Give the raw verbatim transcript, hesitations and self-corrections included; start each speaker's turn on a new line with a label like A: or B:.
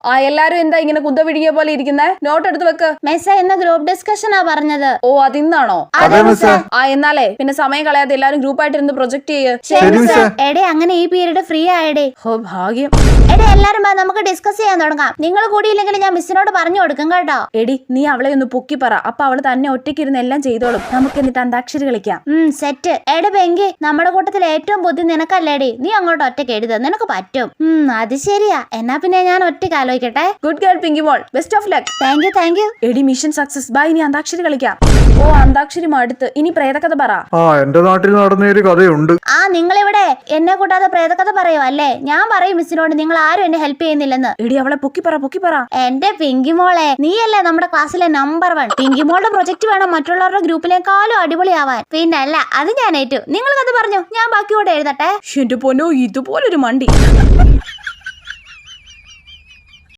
A: ആ എല്ലാരും എന്താ ഇങ്ങനെ കുന്തപിടിക്കിയ പോലെ ഇരിക്കുന്നേ? നോട്ട് എടുത്ത് വെക്ക്.
B: മിസ്സേ ഇന്ന് ഗ്രൂപ്പ് ഡിസ്കഷനാ പറഞ്ഞത്.
A: ഓ അതിന്നാണോ? ആ എന്നാലേ പിന്നെ സമയം കളയാതെ എല്ലാരും ഗ്രൂപ്പായിട്ട് ഇരുന്ന് പ്രൊജക്ട് ചെയ്യ്.
B: എടേ അങ്ങനെ ഈ പീരീഡ് ഫ്രീ ആയടേ.
A: ഓ ഭാഗ്യം.
B: എടേ എല്ലാരും നമുക്ക് ഡിസ്കസ് ചെയ്യാൻ തുടങ്ങാം. നിങ്ങൾ കൂടിയില്ലെങ്കിൽ ഞാൻ മിസ്സിനോട് പറഞ്ഞു കൊടുക്കും കേട്ടോ.
A: എടി നീ അവളെ ഒന്ന് പൊക്കി പറ, അപ്പൊ അവള് തന്നെ ഒറ്റയ്ക്ക് ഇരുന്ന് എല്ലാം ചെയ്തോളും. നമുക്ക് എന്നിട്ട് അന്താക്ഷരി കളിക്കാം.
B: ഉം സെറ്റ്. എടേ പെങ്കി നമ്മുടെ കൂട്ടത്തിൽ ഏറ്റവും ബുദ്ധി നിനക്കല്ലേടി. നീ അങ്ങോട്ട് ഒറ്റയ്ക്ക് എഴുത, നിനക്ക് പറ്റും. ഉം അത് ശരിയാ. എന്നാ പിന്നെ ഞാൻ ഒറ്റയ്ക്ക് ആലോചിക്കട്ടെ.
A: ഗുഡ് ഗേൾ പിങ്കി മോൾ, best of luck.
B: Thank you thank you.
A: എടി മിഷൻ സക്സസ്. ബൈ. ഇനി അന്താക്ഷരി കളിക്കാം. ഓ അന്താക്ഷരി മടുത്ത്. ഇനി പ്രേതകഥ പറ.
C: ആ എന്റെ നാട്ടിൽ നടന്നൊരു കഥയുണ്ട്.
B: ആ നിങ്ങളിവിടെ എന്നെ കൂട്ടാതെ പ്രേതകഥ പറയോ അല്ലേ? ഞാൻ പറയും മിസ്സിനോട് നിങ്ങൾ ആരും എന്നെ ഹെൽപ്പ് ചെയ്യുന്നില്ലെന്ന്.
A: എടി അവളെ പൊക്കി പറ പൊക്കി പറ.
B: എന്റെ പിങ്കി മോളെ, നീയല്ലേ നമ്മുടെ ക്ലാസ്സിലെ നമ്പർ വൺ. പിങ്കി മോളുടെ പ്രൊജക്ട് വേണം മറ്റുള്ളവരുടെ ഗ്രൂപ്പിലേക്കാളും അടിപൊളിയാവാൻ. പിന്നല്ല അത് ഞാൻ ഏറ്റു. നിങ്ങൾ കഥ പറഞ്ഞു, ഞാൻ ബാക്കി കൂടെ എഴുതട്ടെ.
A: എന്റെ പൊന്നോ, ഇതുപോലൊരു മണ്ടി.